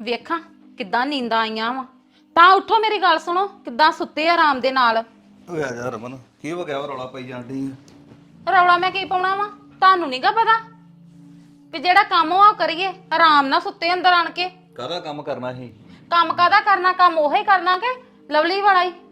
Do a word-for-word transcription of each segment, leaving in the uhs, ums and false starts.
ਵੇਖਾਂ ਕਿੱਦਾਂ ਨੀਂਦਾਂ ਆਈਆਂ ਵਾ। ਤਾਂ ਉੱਠੋ, ਮੇਰੀ ਗੱਲ ਸੁਣੋ, ਕਿੱਦਾਂ ਸੁੱਤੇ ਆਰਾਮ ਦੇ ਨਾਲ। ਓਏ ਆ ਜਾ ਰਮਨ, ਕੀ ਹੋ ਗਿਆ ਵਾ? ਰੌਲਾ ਪਾਈ ਜਾਂਦੀ ਆ। ਰੌਲਾ ਮੈਂ ਕੀ ਪਾਉਣਾ ਵਾ? ਤੁਹਾਨੂੰ ਨਹੀਂਗਾ ਪਤਾ ਵੀ ਜਿਹੜਾ ਕੰਮ ਉਹ ਕਰੀਏ ਆਰਾਮ ਨਾਲ ਸੁੱਤੇ ਅੰਦਰ ਆਣ ਕੇ। ਕਾਹਦਾ ਕੰਮ ਕਰਨਾ ਸੀ? ਕੰਮ ਕਾਹਦਾ ਕਰਨਾ? ਕੰਮ ਉਹੀ ਕਰਨਾ ਕਿ ਲਵਲੀ ਵਾਲਾ ਹੀ।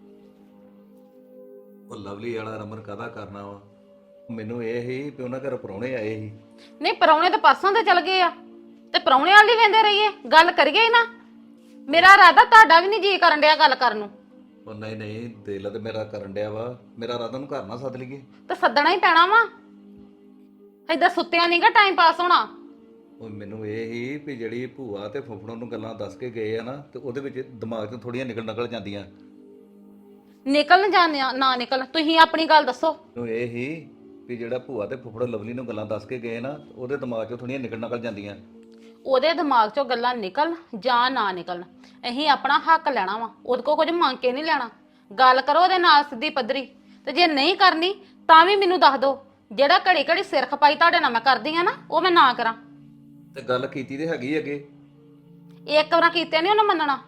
ਉਹ ਲਵਲੀ ਵਾਲਾ ਰਮਨ ਕਾਹਦਾ ਕਰਨਾ ਵਾ? ਮੈਨੂੰ ਇਹ ਹੀ ਵੀ ਉਹਨਾਂ ਘਰ ਪ੍ਰਾਹੁਣੇ ਆਏ ਸੀ। ਨਹੀਂ, ਪਰੌਣੇ ਤਾਂ ਪਰਸੋਂ ਤੇ ਚਲ ਗਏ ਆ ਤੇ ਪਰੌਣੇ ਵਾਲੀ ਵੇਂਦੇ ਰਹੀਏ, ਗੱਲ ਕਰੀਏ ਹੀ ਨਾ। ਮੇਰਾ ਇਰਾਦਾ ਤੁਹਾਡਾ ਵੀ ਨਹੀਂ ਜੀ ਕਰਨ ਡਿਆ ਗੱਲ ਕਰਨ ਨੂੰ। ਉਹ ਨਹੀਂ ਨਹੀਂ, ਦਿਲ ਤੇ ਮੇਰਾ ਕਰਨ ਡਿਆ ਵਾ। ਮੇਰਾ ਰਾਤ ਨੂੰ ਘਰ ਨਾ ਸੱਦ ਲਈਏ। ਤੇ ਸੱਦਣਾ ਹੀ ਪੈਣਾ ਵਾ, ਏਦਾਂ ਸੁੱਤਿਆਂ ਨਹੀਂਗਾ ਟਾਈਮ ਪਾਸ ਹੋਣਾ। ਉਹ ਮੈਨੂੰ ਇਹ ਹੀ ਵੀ ਜਿਹੜੀ ਭੂਆ ਤੇ ਫੁੱਫੜੋਂ ਨੂੰ ਗੱਲਾਂ ਦੱਸ ਕੇ ਗਏ ਆ ਨਾ, ਤੇ ਉਹਦੇ ਵਿੱਚ ਦਿਮਾਗ 'ਚੋਂ ਥੋੜੀਆਂ ਨਿਕਲ ਨਿਕਲ ਜਾਂਦੀਆਂ। ਨਿਕਲ ਜਾਣਿਆ ਨਾ ਨਿਕਲ, ਤੁਸੀਂ ਆਪਣੀ ਗੱਲ ਦੱਸੋ। ਮੈਨੂੰ ਇਹ ਹੀ ਵੀ ਜਿਹੜਾ ਭੂਆ ਤੇ ਫੁੱਫੜ ਲਵਲੀ ਨੂੰ ਗੱਲਾਂ ਦੱਸ ਕੇ ਗਏ ਨਾ, ਉਹਦੇ ਦਿਮਾਗ 'ਚੋਂ ਥੋੜੀਆਂ ਨਿਕਲ ਨਿਕਲ ਜਾਂਦੀਆਂ। ਉਹਦੇ ਦਿਮਾਗ 'ਚੋਂ ਗੱਲਾਂ ਨਿਕਲਣ ਜਾਂ ਨਾ ਨਿਕਲਣ, ਅਸੀਂ ਆਪਣਾ ਹੱਕ ਲੈਣਾ ਵਾ। ਉਹਦੇ ਕੋਲ ਕੁਝ ਮੰਗ ਕੇ ਨਹੀਂ ਲੈਣਾ। ਗੱਲ ਕਰੋ ਉਹਦੇ ਨਾਲ ਸਿੱਧੀ ਪੱਧਰੀ, ਤੇ ਜੇ ਨਹੀਂ ਕਰਨੀ ਤਾਂ ਵੀ ਮੈਨੂੰ ਦੱਸ ਦਿਓ। ਜਿਹੜਾ ਘੜੀ ਘੜੀ ਸਿਰ ਖਪਾਈ ਤੁਹਾਡੇ ਨਾਲ ਮੈਂ ਕਰਦੀ ਆ ਨਾ, ਉਹ ਮੈਂ ਨਾ ਕਰਾਂ। ਤੇ ਗੱਲ ਕੀਤੀ ਤੇ ਹੈਗੀ ਅੱਗੇ। ਇੱਕ ਵਾਰ ਕੀਤੇ ਨਹੀਂ ਉਹਨੇ ਮੰਨਣਾ।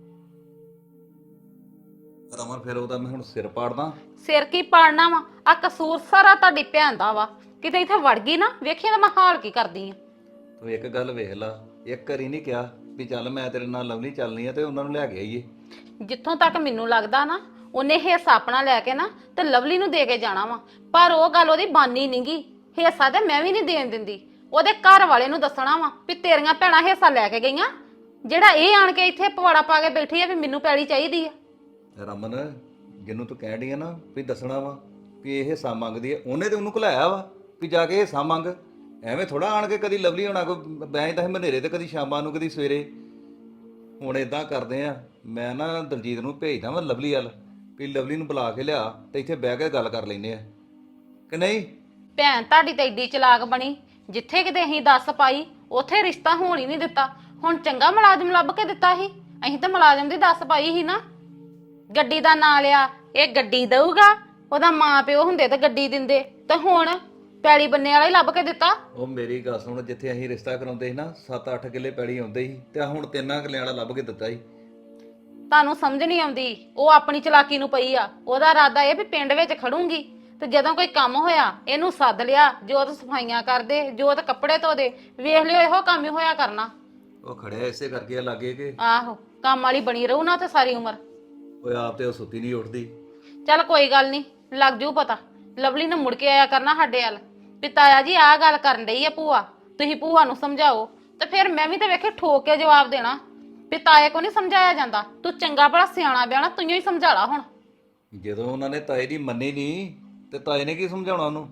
ਰਮਨ ਫਿਰ ਉਹਦਾ ਮੈਂ ਹੁਣ ਸਿਰ ਪਾੜਦਾ। ਸਿਰ ਕੀ ਪਾੜਨਾ ਵਾ? ਆ ਕਸੂਰ ਸਾਰਾ ਤੁਹਾਡੀ ਭੈਣ ਦਾ ਵਾ। ਕਿਤੇ ਇੱਥੇ ਵੜ ਗਈ ਨਾ, ਵੇਖੀ ਤਾਂ ਮੈਂ ਹਾਲ ਕੀ ਕਰਦੀ ਆ। ਤੂੰ ਇੱਕ ਗੱਲ ਵੇਖ ਲਾ, ਇੱਕ ਵਾਰੀ ਨਹੀਂ ਕਿਹਾ ਵੀ ਚੱਲ ਮੈਂ ਤੇਰੇ ਨਾਲ ਲਵਲੀ ਚੱਲਣੀ ਆ ਤੇ ਉਹਨਾਂ ਨੂੰ ਲੈ ਕੇ ਆਈਏ। ਜਿੱਥੋਂ ਤੱਕ ਮੈਨੂੰ ਲੱਗਦਾ ਨਾ, ਉਹਨੇ ਹਿੱਸਾ ਆਪਣਾ ਲੈ ਕੇ ਨਾ ਤੇ ਲਵਲੀ ਨੂੰ ਦੇ ਕੇ ਜਾਣਾ ਵਾ। ਪਰ ਉਹ ਗੱਲ ਉਹਦੀ ਬਾਨੀ ਨਹੀਂਗੀ। ਹਿੱਸਾ ਤੇ ਮੈਂ ਵੀ ਨਹੀਂ ਦੇਣ ਦਿੰਦੀ। ਉਹਦੇ ਘਰ ਵਾਲੇ ਨੂੰ ਦੱਸਣਾ ਵਾ ਵੀ ਤੇਰੀਆਂ ਭੈਣਾਂ ਹਿੱਸਾ ਲੈ ਕੇ ਗਈਆਂ, ਜਿਹੜਾ ਇਹ ਆਣ ਕੇ ਇੱਥੇ ਪਵਾੜਾ ਪਾ ਕੇ ਬੈਠੀ ਆ ਵੀ ਮੈਨੂੰ ਪੈਲੀ ਚਾਹੀਦੀ ਆ। ਰਮਨ, ਜਿਹਨੂੰ ਤੂੰ ਕਹਿਣ ਡਈ ਆ ਨਾ ਵੀ ਦੱਸਣਾ ਵਾ ਵੀ ਇਹ ਹਿੱਸਾ ਮੰਗਦੀ ਆ, ਉਹਨੇ ਤੇ ਉਹਨੂੰ ਘਲਾਇਆ ਵਾ ਵੀ ਜਾ ਕੇ ਹਿੱਸਾ ਮੰਗ। ਐਵੇਂ ਥੋੜਾ ਆਣ ਕੇ ਕਦੀ ਲਵਲੀ ਹੋਣਾ ਕੋ ਬੈਂਦਾ ਮਨੇਰੇ ਤੇ ਕਦੀ ਸ਼ਾਮਾਂ ਨੂੰ ਕਦੀ ਸਵੇਰੇ। ਹੁਣ ਇਦਾਂ ਕਰਦੇ ਆ, ਮੈਂ ਨਾ ਦਲਜੀਤ ਨੂੰ ਭੇਜਦਾ ਵਾ ਲਵਲੀ ਵੱਲ ਵੀ ਲਵਲੀ ਨੂੰ ਬੁਲਾ ਕੇ ਲਿਆ ਤੇ ਇੱਥੇ ਬਹਿ ਕੇ ਗੱਲ ਕਰ ਲੈਂਦੇ ਆ, ਕਿ ਨਹੀਂ? ਭੈਣ ਤੁਹਾਡੀ ਤਾਂ ਏਡੀ ਚਲਾਕ ਬਣੀ, ਜਿੱਥੇ ਕਿਤੇ ਅਸੀਂ ਦੱਸ ਪਾਈ ਉੱਥੇ ਰਿਸ਼ਤਾ ਹੋਣ ਹੀ ਨਹੀਂ ਦਿੱਤਾ। ਹੁਣ ਚੰਗਾ ਮੁਲਾਜ਼ਮ ਲੱਭ ਕੇ ਦਿੱਤਾ ਸੀ। ਅਸੀਂ ਤਾਂ ਮੁਲਾਜ਼ਮ ਦੀ ਦੱਸ ਪਾਈ ਸੀ ਨਾ। ਗੱਡੀ ਦਾ ਨਾਂ ਲਿਆ, ਇਹ ਗੱਡੀ ਦਊਗਾ। ਉਹਦਾ ਮਾਂ ਪਿਓ ਹੁੰਦੇ ਤਾਂ ਗੱਡੀ ਦਿੰਦੇ, ਤੇ ਹੁਣ ਪੈਲੀ ਬੰਨੇ ਵਾਲਾ ਹੀ ਲੱਭ ਕੇ ਦਿੱਤਾ। ਉਹ ਮੇਰੀ ਗੱਲ ਸੁਣ, ਜਿੱਥੇ ਅਸੀਂ ਰਿਸ਼ਤਾ ਕਰਾਉਂਦੇ ਸੀ ਨਾ ਸੱਤ ਅੱਠ ਕਿੱਲੇ ਪੈੜੀ ਆਉਂਦੇ ਸੀ, ਤੇ ਹੁਣ ਤਿੰਨਾਂ ਕਿੱਲਿਆਂ ਵਾਲਾ ਲੱਭ ਕੇ ਦਿੱਤਾ ਸੀ। ਤੁਹਾਨੂੰ ਸਮਝ ਨਹੀਂ ਆਉਂਦੀ, ਉਹ ਆਪਣੀ ਚਲਾਕੀ ਨੂੰ ਪਈ ਆ। ਉਹਦਾ ਇਰਾਦਾ ਇਹ ਵੀ ਪਿੰਡ ਵਿੱਚ ਖੜੂੰਗੀ ਤੇ ਜਦੋਂ ਕੋਈ ਕੰਮ ਹੋਇਆ ਇਹਨੂੰ ਸੱਦ ਲਿਆ, ਜੋਤ ਸਫਾਈਆਂ ਕਰਦੇ, ਜੋਤ ਕੱਪੜੇ ਧੋਦੇ। ਵੇਖ ਲਿਓ ਇਹੋ ਕੰਮ ਹੀ ਹੋਇਆ ਕਰਨਾ। ਉਹ ਖੜਿਆ ਇਸੇ ਕਰਕੇ ਲੱਗੇ ਕਿ ਆਹੋ, ਕੰਮ ਵਾਲੀ ਬਣੀ ਰਹੂ ਨਾ ਤੇ ਸਾਰੀ ਉਮਰ। ਓਏ ਆਪ ਤੇ ਉਹ ਸੁੱਤੀ ਨਹੀਂ ਉੱਠਦੀ। ਚੱਲ ਕੋਈ ਗੱਲ ਨਹੀਂ, ਲੱਗ ਜੂ ਪਤਾ। ਲਵਲੀ ਨੇ ਮੁੜ ਕੇ ਆਇਆ ਕਰਨਾ ਸਾਡੇ ਵੱਲ ਵੀ ਤਾਇਆ ਜੀ ਆਹ ਗੱਲ ਕਰਨ ਡਈ ਆ ਭੂਆ, ਤੁਸੀਂ ਭੂਆ ਨੂੰ ਸਮਝਾਓ। ਤੇ ਫਿਰ ਮੈਂ ਵੀ ਤੇ ਵੇਖੇ ਠੋਕ ਕੇ ਜਵਾਬ ਦੇਣਾ ਵੀ ਤਾਏ ਕੋ ਨਹੀਂ ਸਮਝਾਇਆ ਜਾਂਦਾ। ਤੂੰ ਚੰਗਾ ਭਲਾ ਸਿਆਣਾ ਬਿਆਣਾ ਤੂੰ ਹੀ ਸਮਝਾ ਲਾ। ਹੁਣ ਜਦੋਂ ਉਹਨਾਂ ਨੇ ਤਾਏ ਦੀ ਮੰਨੀ ਨਹੀਂ ਤੇ ਤਾਏ ਨੇ ਕੀ ਸਮਝਾਉਣਾ ਉਹਨੂੰ?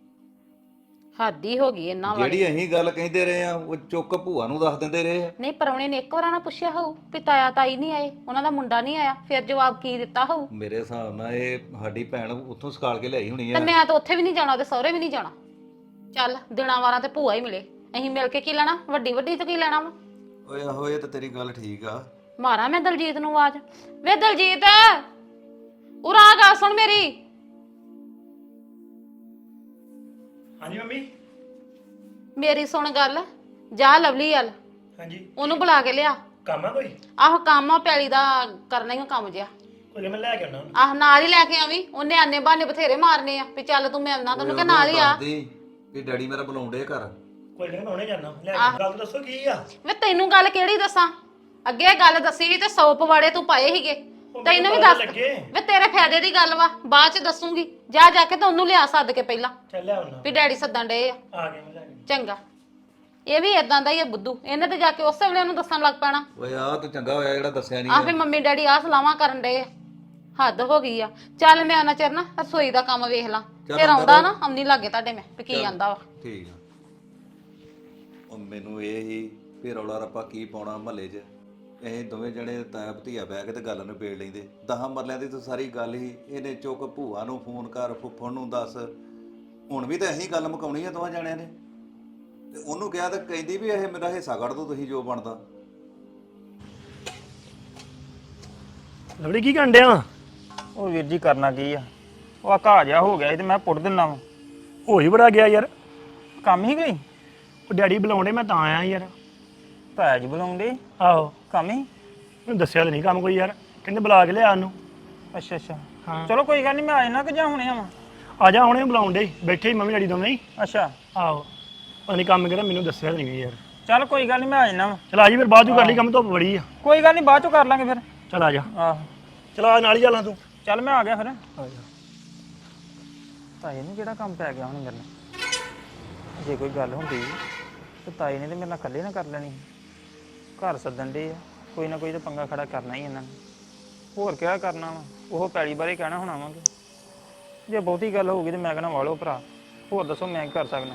ਹੱਦ ਹੀ ਹੋ ਗਈ ਇਹਨਾਂ ਵਾਲੀ। ਜਿਹੜੀ ਅਸੀਂ ਗੱਲ ਕਹਿੰਦੇ ਰਹੇ ਆ ਉਹ ਚੁੱਕ ਭੂਆ ਨੂੰ ਦੱਸ ਦਿੰਦੇ ਰਹੇ ਆ। ਨਹੀਂ, ਪਰੌਣੇ ਨੇ ਇੱਕ ਵਾਰ ਨਾ ਪੁੱਛਿਆ ਹੋਊ ਵੀ ਤਾਇਆ ਤਾਈ ਨਹੀਂ ਆਏ, ਉਹਨਾਂ ਦਾ ਮੁੰਡਾ ਨਹੀਂ ਆਇਆ, ਫਿਰ ਜਵਾਬ ਕੀ ਦਿੱਤਾ ਹੋਊ? ਮੇਰੇ ਹਿਸਾਬ ਨਾਲ ਇਹ ਸਾਡੀ ਭੈਣ ਉੱਥੋਂ ਸਕਾਲ ਕੇ ਲਿਆਈ ਹੋਣੀ ਤੇ ਆ। ਮੈਂ ਤਾਂ ਉੱਥੇ ਵੀ ਨਹੀਂ ਜਾਣਾ, ਉਹਦੇ ਸਹੁਰੇ ਵੀ ਨਹੀਂ ਜਾਣਾ। ਚੱਲ ਦਿਨਾਂ ਵਾਰਾਂ ਤੇ ਭੂਆ ਹੀ ਮਿਲੇ, ਅਸੀਂ ਮਿਲ ਕੇ ਕੀ ਲੈਣਾ? ਵੱਡੀ ਵੱਡੀ ਤੋਂ ਕੀ ਲੈਣਾ ਵਾ? ਓਏ ਆਹੋ, ਇਹ ਤਾਂ ਤੇਰੀ ਗੱਲ ਠੀਕ ਆ। ਮਾਰਾਂ ਮੈਂ ਦਲਜੀਤ ਨੂੰ ਆਵਾਜ਼, ਵੇ ਦਲਜੀਤ ਉਰਾ ਆ ਗੱਲ ਸੁਣ ਮੇਰੀ। ਹਾਂਜੀ ਮੰਮੀ। ਮੇਰੀ ਸੁਣ ਗੱਲ, ਜਾ ਲਵਲੀ ਵੱਲ, ਹਾਂਜੀ, ਉਹਨੂੰ ਬੁਲਾ ਕੇ ਲਿਆ। ਕੰਮ ਆ ਕੋਈ? ਆਹੋ ਕੰਮ ਆ, ਪੈਲੀ ਦਾ ਕਰਨਾ ਹੀ ਆ ਕੰਮ ਜਿਆ। ਕੋਈ ਨੀ, ਮੈਂ ਲੈ ਕੇ ਆਉਣਾ ਉਹਨੂੰ। ਆਹ ਨਾਲ ਹੀ ਲੈ ਕੇ ਆਵੀਂ। ਉਹਨੇ ਆਨੇ ਬਹਾਨੇ ਬਥੇਰੇ ਮਾਰਨੇ ਆ ਵੀ ਚੱਲ ਤੂੰ ਮਿਲਣਾ, ਤੈਨੂੰ ਕਿ ਨਾਲ ਹੀ ਆ। ਵੀ ਡੈਡੀ ਮੇਰਾ ਬੁਲਾਉਂਦੇ ਘਰ। ਕੋਈ ਨਹੀਂ, ਮੈਂ ਹੁਣੇ ਜਾਣਾ ਲੈ ਕੇ। ਗੱਲ ਦੱਸੋ ਕੀ ਆ? ਵੇ ਤੈਨੂੰ ਗੱਲ ਕਿਹੜੀ ਦੱਸਾਂ? ਅੱਗੇ ਗੱਲ ਦੱਸੀ ਸੀ ਤੇ ਸੌ ਪਵਾੜੇ ਤੂੰ ਪਾਏ ਸੀਗੇ। ਉਹ ਤੈਨੂੰ ਵੀ ਮੈਨੂੰ ਦੱਸ, ਪਤਾ ਲੱਗੇ। ਵੇ ਤੇਰੇ ਫਾਇਦੇ ਦੀ ਗੱਲ ਵਾ, ਬਾਅਦ ਚ ਦੱਸੂਗੀ। ਜਾ ਜਾ ਕੇ ਤਾਂ ਉਹਨੂੰ ਲਿਆ ਸੱਦ ਕੇ ਪਹਿਲਾਂ ਚੱਲ ਲੈ ਆਉਣਾ। ਵੀ ਡੈਡੀ ਸੱਦਣ ਡਏ ਆ। ਆ ਗਿਆ ਮੈਂ ਲੈ ਕੇ। ਚੰਗਾ, ਇਹ ਵੀ ਇਦਾਂ ਦਾ ਹੀ ਆ ਬੁੱਧੂ। ਇਹਨੇ ਤੇ ਜਾ ਕੇ ਉਸੇ ਵੇਲੇ ਉਹਨੂੰ ਦੱਸਣ ਲੱਗ ਪੈਣਾ। ਓਏ ਆ ਤੂੰ ਚੰਗਾ ਹੋਇਆ ਜਿਹੜਾ ਦੱਸਿਆ ਨਹੀਂ। ਆਹ ਵੀ ਮੰਮੀ ਡੈਡੀ ਆਹ ਸਲਾਹਾਂ ਕਰਨ ਡਏ ਆ। ਹੱਦ ਹੋ ਗਈ ਆ। ਚੱਲ ਮੈਂ ਉਹਨਾਂ ਚਿਰ ਨਾ ਰਸੋਈ ਦਾ ਕੰਮ ਵੇਖ ਲਾਂ, ਫਿਰ ਆਉਂਦਾ ਨਾ ਆਉਣੀ ਲੱਗੇ ਤੁਹਾਡੇ ਮੈਂ ਵੀ ਕੀ ਆਂਦਾ ਵਾ। ਠੀਕ ਆ। ਉਹ ਮੈਨੂੰ ਇਹ ਹੀ ਵੀ ਰੌਲਾ ਰੱਪਾ ਕੀ ਪਾਉਣਾ ਮਹੱਲੇ 'ਚ। ਇਹ ਦੋਵੇਂ ਜਣੇ ਤਾਇਆ ਭਤੀਆ ਬਹਿ ਕੇ ਤੇ ਗੱਲ ਨੂੰ ਪੇੜ ਲੈਂਦੇ। ਦਸਾਂ ਮਰਲਿਆਂ ਦੀ ਤਾਂ ਸਾਰੀ ਗੱਲ ਹੀ ਇਹਨੇ ਚੁੱਕ ਭੂਆ ਨੂੰ ਫੋਨ ਕਰ, ਫੁੱਫੜ ਨੂੰ ਦੱਸ। ਹੁਣ ਵੀ ਤਾਂ ਇਹੀ ਗੱਲ ਮੁਕਾਉਣੀ ਆ ਦੋਵਾਂ ਜਣਿਆਂ ਨੇ। ਤੇ ਉਹਨੂੰ ਕਿਹਾ ਤਾਂ ਕਹਿੰਦੀ ਵੀ ਇਹ ਮੇਰਾ ਹਿੱਸਾ ਕੱਢ ਦੋ ਤੁਸੀਂ ਜੋ ਬਣਦਾ। ਲਵੜੀ ਕੀ ਕਰਨ ਡਿਆ? ਉਹ ਵੀਰ ਜੀ ਕਰਨਾ ਕੀ ਆ, ਉਹ ਆ ਘਾਹ ਜਿਹਾ ਹੋ ਗਿਆ ਸੀ ਤੇ ਮੈਂ ਪੁੱਟ ਦਿੰਨਾ ਵਾ। ਹੋਈ ਬੜਾ ਗਿਆ ਯਾਰ। ਕੰਮ ਹੀ ਗਈ। ਉਹ ਡੈਡੀ ਬੁਲਾਉਂਦੇ, ਮੈਂ ਤਾਂ ਆਇਆ ਯਾਰ। ਤਾਇਆ ਜੀ ਬੁਲਾਉਂਦੇ ਆਹੋ ਕੰਮ ਹੀ ਮੈਨੂੰ ਦੱਸਿਆ ਤਾਂ ਨਹੀਂ ਕੰਮ ਕੋਈ ਯਾਰ ਕਹਿੰਦੇ ਬੁਲਾ ਕੇ ਲਿਆ ਉਹਨੂੰ ਅੱਛਾ ਅੱਛਾ ਹਾਂ ਚਲੋ ਕੋਈ ਗੱਲ ਨਹੀਂ ਮੈਂ ਆ ਜਾਣਾ ਕਿ ਜਾਂ ਹੁਣੇ ਆਵਾਂ ਆ ਜਾ ਹੁਣੇ ਬੁਲਾਉਣ ਡੇ ਬੈਠੇ ਹੀ ਮੰਮੀ ਡੈਡੀ ਦੋਵੇਂ ਹੀ ਅੱਛਾ ਆਹੋ ਪਤਾ ਨਹੀਂ ਕੰਮ ਕਿਹੜਾ ਮੈਨੂੰ ਦੱਸਿਆ ਤਾਂ ਨਹੀਂ ਯਾਰ ਚੱਲ ਕੋਈ ਗੱਲ ਨਹੀਂ ਮੈਂ ਆ ਜਾਣਾ ਵਾ ਚਲ ਆ ਜੀ ਫਿਰ ਬਾਅਦ ਚੋਂ ਕਰ ਲਈ ਕੰਮ ਧੁੱਪ ਬੜੀ ਆ ਕੋਈ ਗੱਲ ਨਹੀਂ ਬਾਅਦ ਚੋਂ ਕਰ ਲਾਂਗੇ ਫਿਰ ਚਲ ਆ ਜਾ ਆਹੋ ਚਲ ਆ ਨਾਲ ਹੀ ਚੱਲਾਂ ਤੂੰ ਚੱਲ ਮੈਂ ਆ ਗਿਆ ਫਿਰ ਆ ਜਾ ਤਾਏ ਨੂੰ ਕਿਹੜਾ ਕੰਮ ਪੈ ਗਿਆ ਹੁਣ ਮੇਰੇ ਨਾਲ ਜੇ ਕੋਈ ਗੱਲ ਹੁੰਦੀ ਤੇ ਤਾਏ ਨੇ ਤੇ ਮੇਰੇ ਨਾਲ ਇਕੱਲੇ ਨਾ ਕਰ ਲੈਣੀ ਘਰ ਸੱਦਣ ਦੇ ਆ ਕੋਈ ਨਾ ਕੋਈ ਤਾਂ ਪੰਗਾ ਖੜਾ ਕਰਨਾ ਹੀ ਇਹਨਾਂ ਨੇ ਹੋਰ ਕਿਹੜਾ ਕਰਨਾ ਵਾ ਉਹ ਪੈਲੀ ਬਾਰੇ ਕਹਿਣਾ ਹੋਣਾ ਵਾ ਕਿ ਜੇ ਬਹੁਤੀ ਗੱਲ ਹੋਊਗੀ ਤੇ ਮੈਂ ਕਹਿਣਾ ਵਾਲੋ ਭਰਾ ਹੋਰ ਦੱਸੋ ਮੈਂ ਕੀ ਕਰ ਸਕਦਾ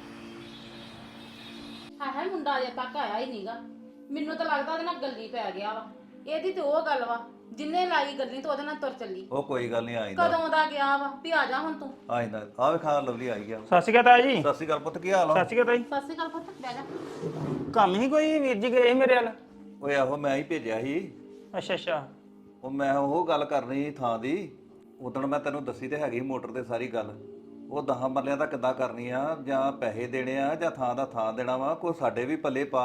ਹਾਂ ਹੈ ਮੁੰਡਾ ਅਜੇ ਤੱਕ ਆਇਆ ਹੀ ਨਹੀਂਗਾ ਮੈਨੂੰ ਤਾਂ ਲੱਗਦਾ ਉਹਦੇ ਨਾਲ ਗੱਲੀ ਪੈ ਗਿਆ ਵਾ ਇਹਦੀ ਤੇ ਉਹ ਗੱਲ ਵਾ ਜਿੰਨੇ ਲਾਈ ਗੱਲੀ ਤੋਂ ਉਹਦੇ ਨਾਲ ਤੁਰ ਚੱਲੀ ਉਹ ਕੋਈ ਗੱਲ ਨਹੀਂ ਆਇਂਦਾ ਕਦੋਂ ਦਾ ਗਿਆ ਵਾ ਵੀ ਆ ਜਾ ਹੁਣ ਤੂੰ ਆਇਂਦਾ ਆ ਵੇਖਾ ਲਵਲੀ ਆਈ ਗਿਆ ਸਤਿ ਸ਼੍ਰੀ ਅਕਾਲ ਤਾਇਆ ਜੀ ਸਤਿ ਸ਼੍ਰੀ ਅਕਾਲ ਪੁੱਤ ਕੀ ਹਾਲ ਆ ਸਤਿ ਸ਼੍ਰੀ ਅਕਾਲ ਤਾਈ ਸਤਿ ਸ਼੍ਰੀ ਅਕਾਲ ਪੁੱਤ ਬਹਿ ਜਾ ਕੰਮ ਹੀ ਕੋਈ ਵੀਰ ਜੀ ਗਏ ਸੀ ਮੇਰੇ ਵੱਲ ਓਏ ਆਹੋ ਮੈਂ ਹੀ ਭੇਜਿਆ ਸੀ ਅੱਛਾ ਅੱਛਾ ਉਹ ਮੈਂ ਉਹ ਗੱਲ ਕਰਨੀ ਸੀ ਥਾਂ ਦੀ ਉਦੋਂ ਮੈਂ ਤੈਨੂੰ ਦੱਸੀ ਤੇ ਹੈਗੀ ਮੋਟਰ ਤੇ ਸਾਰੀ ਗੱਲ ਉਹ ਦਹਾਂ ਮਰਲਿਆਂ ਦਾ ਕਿੱਦਾਂ ਕਰਨੀ ਆ ਜਾਂ ਪੈਸੇ ਦੇਣੇ ਆ ਜਾਂ ਥਾਂ ਦਾ ਥਾਂ ਦੇਣਾ ਵਾ ਕੋਈ ਸਾਡੇ ਵੀ ਪੱਲੇ ਪਾ